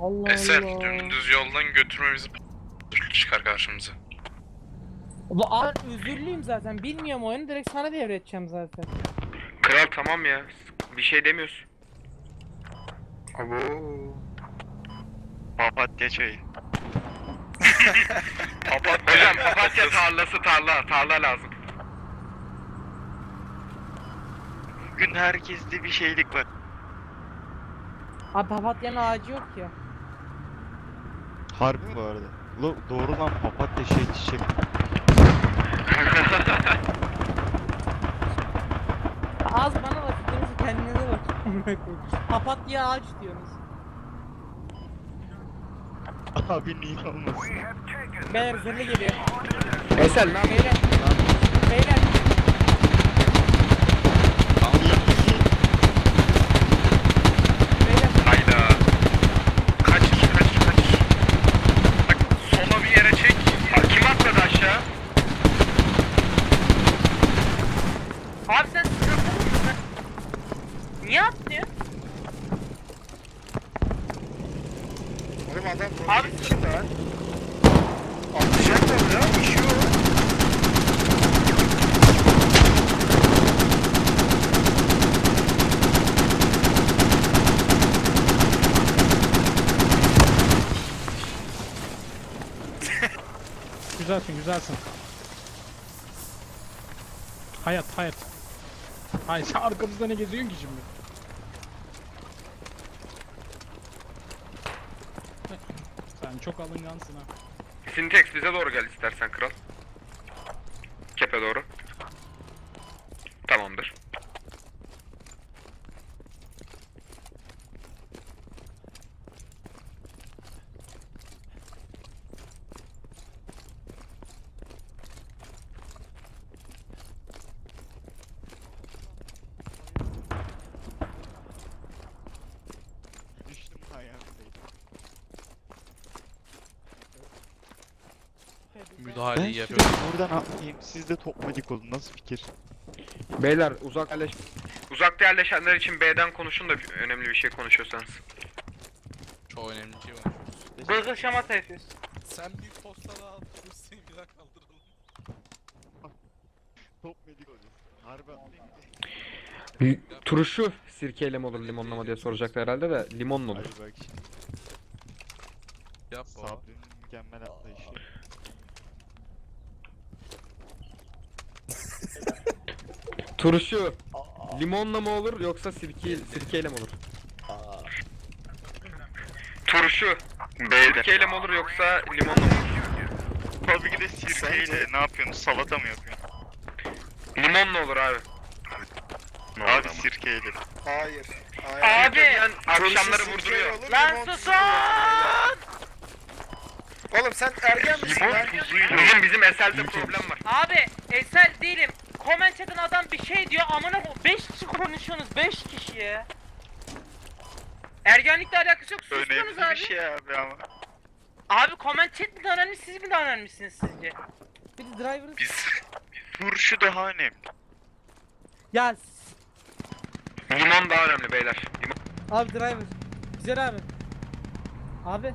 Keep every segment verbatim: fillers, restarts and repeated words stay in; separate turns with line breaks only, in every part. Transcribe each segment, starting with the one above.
Allah
Eser
Allah.
dümdüz yoldan götürmemizi çıkar karşımıza.
Ulan abi özürlüyüm zaten. Bilmiyorum oyunu, direkt sana devredeceğim zaten.
Kral tamam ya. Bir şey demiyorsun. Abo.
Papatya çayı.
Papatya. Hocam papatya tarlası tarla. Tarla lazım.
Bugün herkeste bir şeylik var.
Abi papatyanın ağacı yok ya.
Harbi bu arada. Lo, doğru lan, papatya şey çiçek.
Az bana bakıyorsunuz, kendinize bakın. Papatya ağaç diyorsunuz.
Abi niye olmasın?
Beyler zırhlı geliyor.
Eser ne yapıyorsun?
Beyler. Beyler. Beyler.
Hayda. Kaç kaç kaç. Bak sola bir yere çek.
Kim atladı aşağı?
Abi sen sıkıntı mısın? Niye atlıyor?
Oğlum adam
Abi
içinde lan. Atlayacaklar ya, işiyor.
Güzelsin, güzelsin. Hayat, hayat. Hayır, sen arkamızda ne geziyorsun ki şimdi? Sen çok alıngansın ha.
Sintex bize doğru gel istersen kral. Kepe doğru. Tamamdır.
Düştüm ayağımdayım. Ben
Müdahaleyi
sürekli
yapıyorum.
buradan atlayayım, siz de topmadik olun, nasıl fikir?
Beyler uzak yerleş... Uzakta yerleşenler için B'den konuşun da önemli bir şey konuşuyorsanız.
Çok önemli bir şey var.
Gırgır şamata yapıyorsun.
Sen bir postada al. Dur seni bir daha kaldıralım.
Topmadik olun. Harbi atlayayım.
Turşu sirkeyle mi olur limonla mı diye soracaklar herhalde de limonla olur.
Hadi bak şimdi.
Yap baba.
Sabri'nin mükemmel atlayışı.
Turşu limonla mı olur yoksa sirke, sirkeyle mi olur? Turşu
B'de.
sirkeyle mi olur yoksa limonla mı olur?
Tabii ki de sirkeyle. Ne yapıyorsunuz? Salata mı yapıyorsun?
Limonla olur abi.
Abi sirkeyle.
Hayır. Hayır.
Abi.
Yani
Turşu
akşamları
sirkeyle
vurduruyor.
olur,
Lan
limon
susun!
Oğlum sen ergen misin
Limon
lan?
tuzuyla.
Bizim bizim Esel'de problem var.
Abi eser değilim. Comment chat'in adam bir şey diyor, amına ko- beş kişi konuşuyorsunuz, beş kişi ya. Ergenlikle alakası yok, sustunuz
Önemli
abi.
bir şey abi ama.
Abi comment chat mi daha önemli, siz mi daha önemlisiniz sizce? Bir de driver...
Biz turşu daha önemli.
Ya
Limon daha önemli beyler. Limon.
abi driver. Güzel abi. Abi.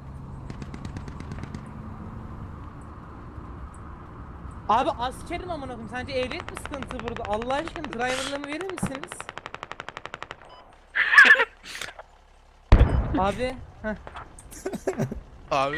Abi askerim amına koyayım. Sence ehliyet mi sıkıntı burada? Allah aşkına driver'lığımı verir misiniz? Abi. Heh.
Abi.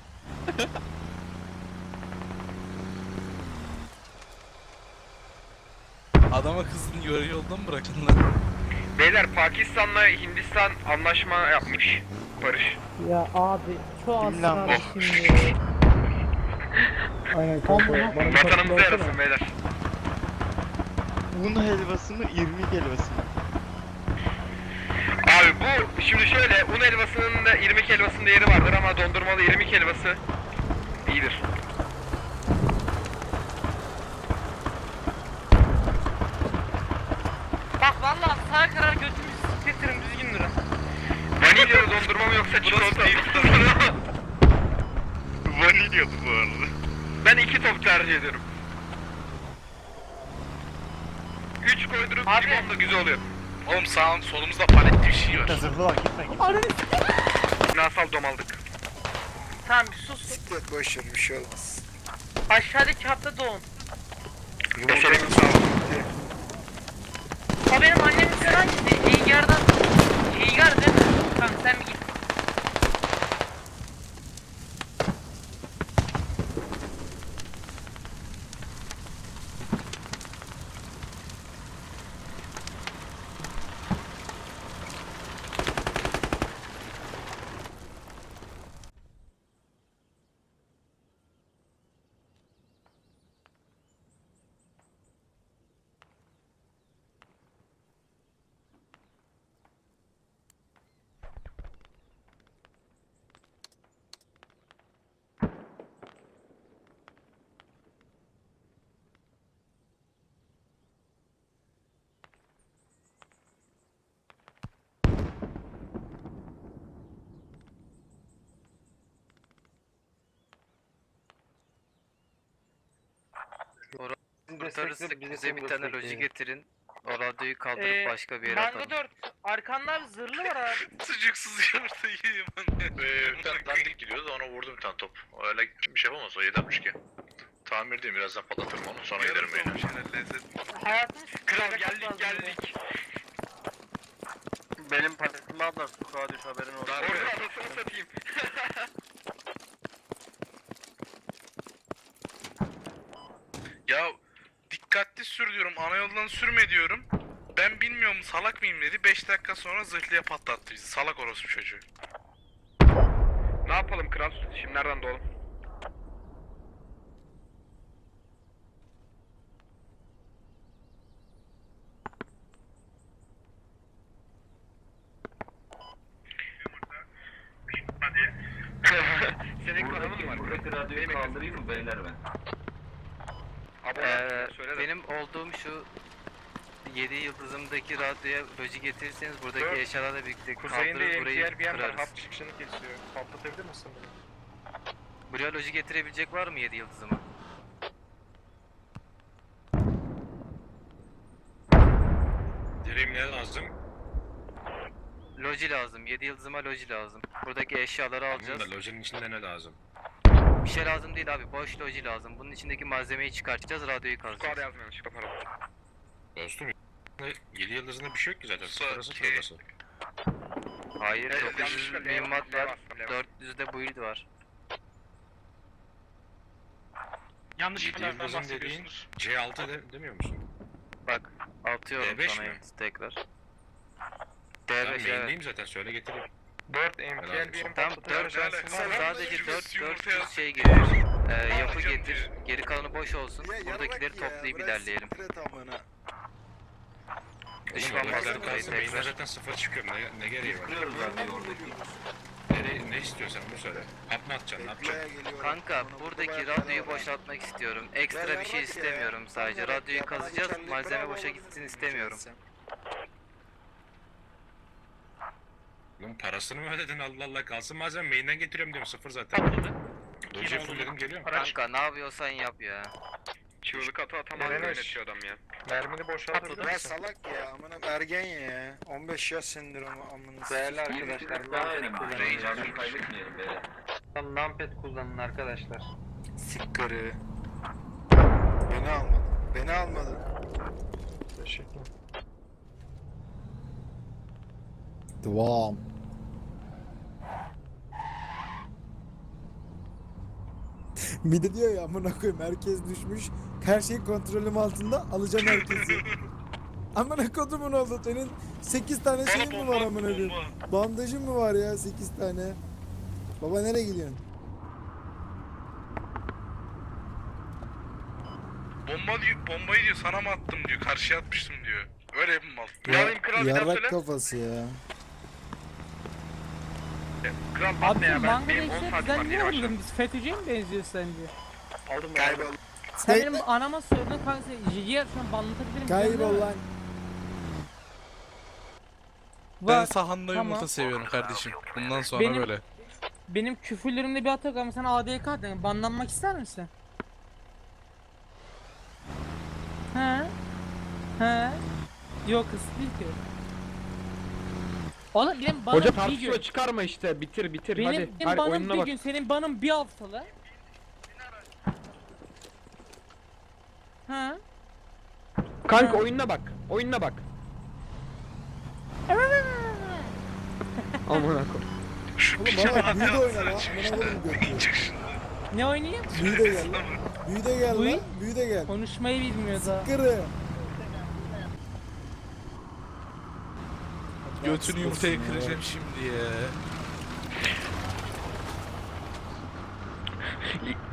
Adama kızını yarı yolda mı bırakın lan?
Beyler Pakistan'la Hindistan anlaşma yapmış. Barış.
Ya abi çok
Kim lan
aslan
bu?
şimdi.
Aynen
Vatanımıza yarasın beyler.
Un helvası mı, irmik helvası mı?
Abi bu şimdi şöyle un helvasının da irmik helvasının da yeri vardır ama dondurmalı irmik helvası iyidir.
Bak vallahi sağa karar götümüzü siktirtirim, düzgün durun.
Vanilyalı dondurma mı yoksa çikolata mı?
Vanilyalı bu arada.
Ben iki top tercih ediyorum. Üç koydurup
Abi.
limon da güzel oluyor.
Oğlum sağ solumuzda paletli bir şey var.
Ananı
Ne Kimyasal dom aldık.
Tamam bir sus.
Siklet boş ver bir şey olmaz.
Aşağıdaki hatta doğun.
Yumurtayı sağ ol.
O benim annemin falan gitti. İlgar'dan. İlgar değil mi? Tamam sen bir git.
Kurtarırsak bize bir tane loji getirin. O radyoyu kaldırıp
Ee,
başka bir yere
Mango
atalım.
dört. Arkanda abi zırhlı var abi.
Sucuksuz yumurta yiyeyim anne.
Ee, bir tane dandik gidiyordu ona vurdum bir tane top. Öyle bir şey yapamaz o yedi altmış iki. Tamir değil birazdan patlatırım onu sonra giderim
Yarım
yine.
olmuş herhalde lezzet.
Hayatın
Kral geldik geldik.
Benim paletimi aldılar. Sokağa düş haberin olsun.
Orada anasını satayım.
Ya dikkatli sür diyorum ana yoldan sürme diyorum. Ben bilmiyorum salak mıyım dedi. beş dakika sonra zırhlıya patlattı bizi. Salak orospu çocuğu.
Ne yapalım kral? Şimdi nereden doğalım? Senin kanalın mı var?
Buradaki radyoyu kaldırayım mı beyler ben?
Abone
Ee,
ol, söyle de.
benim olduğum şu yedi yıldızımdaki radyoya loji getirirseniz buradaki
Dört.
eşyalarla birlikte
Kuzeyinde
kaldırır burayı
M T L bir yer var.
kırarız.
Hat çıkışını kesiyor. Patlatabilir misin bunu?
Buraya loji getirebilecek var mı yedi yıldızıma?
Dirim ne lazım?
Loji lazım. yedi yıldızıma loji lazım. Buradaki eşyaları alacağız.
Bunun da lojinin içinde ne lazım?
Bir şey lazım değil abi. Boş loji lazım. Bunun içindeki malzemeyi çıkartacağız. Radyoyu
Squad
kazacağız.
yazmıyor yanlışlıkla pardon.
Dostum yedi yıldızında bir şey yok ki zaten.
Sa-
Sırası
ki-
çorbası.
Hayır.
Evet,
dokuz yüz
yanlışlıkla
mühimmat
L
var.
bastım, L bastım.
dört yüzde build var.
Yanlış
yedi
şeylerden
yıldızın dediğin
bahsediyorsunuz.
C altı de, demiyor musun?
Bak. Atıyorum
D beş
sana
mi?
yıldız tekrar.
Ben
D beş evet.
main'deyim zaten söyle getireyim.
dört M T L bir yer
Tam
patlatabilir
dört
misin?
Sen
sadece
yumurta
dört
yumurta
dört yüz
yaz.
şey getir. Ee, yapı
Alacağım
getir.
diyor.
Geri kalanı boş olsun.
Ya
Buradakileri
yarrak ya,
toplayıp
bırak
ilerleyelim.
siktir et amına.
Düşman
Oğlum,
baskın
orada
kayıt
kalsın, main'den
tekrar.
zaten sıfır çıkıyorum. Ne, ne gereği var? Ne, ne istiyorsan onu söyle. At mı atacaksın? Ne yapacaksın?
Bekleye geliyorum.
Kanka
Bana
buradaki
burada
radyoyu
bayağı
boşaltmak istiyorum. Ekstra
Ya
bir
yarrak
şey
ya.
istemiyorum sadece.
Yarrak
Radyoyu
ya, bana
kazacağız.
güzellik
Malzeme
bravo
boşa
olabilir
gitsin
mi
istemiyorum.
sen?
Lan parasını mı ödedin Allah Allah kalsın malzeme main'den getiriyorum diyorum sıfır zaten. Doje'yi fullledim geliyorum.
Kanka ne yapıyorsan yap ya.
Çığlık atı atamaz
Ereneş.
yönetiyor adam ya.
Mermini boşaltır Ya salak ya amına ergen ya. on beş yaş sendromu amına.
Değerli arkadaşlar,
Ranger
kaybetmeyelim beyler. Tam numpad kullanın arkadaşlar.
Sikkarı. Beni almadı. Beni almadı. Teşekkür.
Devam. Bir de diyor ya amına koyayım herkes düşmüş. Her şey kontrolüm altında alacağım herkesi. Amına kodumun oldu senin sekiz tane
Bana
şeyin mi
bomba
var
at,
amına koyayım?
bomba.
Bandajın mı var ya sekiz tane? Baba nereye gidiyorsun?
Bomba diyor, bombayı diyor sana mı attım diyor. Karşıya atmıştım diyor. Öyle bir mal.
Ne alayım kral bir daha
Yarrak
söyle.
kafası ya.
Kral
Abi
atma ya
şu
ben
Mango
benim on
Reis'e
saat
bizden
var
niye
yeni başladım.
almadın? Biz FETÖ'cüye mi benziyor sence?
Kaybol.
Sen benim anama sordun kanka Jigi'ye şu an banlatabilirim.
Kaybol lan.
Var.
sahanda
Tamam. yumurta
seviyorum kardeşim. Bundan sonra
Benim- böyle. Benim küfürlerimde bir hata yok ama sen A D K dedin. Banlanmak ister misin? He? He? Yok kız değil ki.
Oğlum benim banım
Hoca
bir
tartışma
gün.
çıkarma işte. Bitir bitir
Benim,
hadi.
benim
Hadi
banım
oyununa
bir
bak.
gün, senin banın bir haftalı. Ha?
Kanka oyununa bak. Oyununa bak. Aman akım.
Şu
Oğlum
piçe
bana
bak
büyü de oyna
ya.
lan. Amına koydum götü.
Çık şundan.
Ne oynayayım?
Büyü de gel lan. Büyü de gel
Büyü?
lan. Büyü de gel.
Konuşmayı bilmiyor daha.
Kırı.
Götünü yumurtaya kıracağım şimdi ya.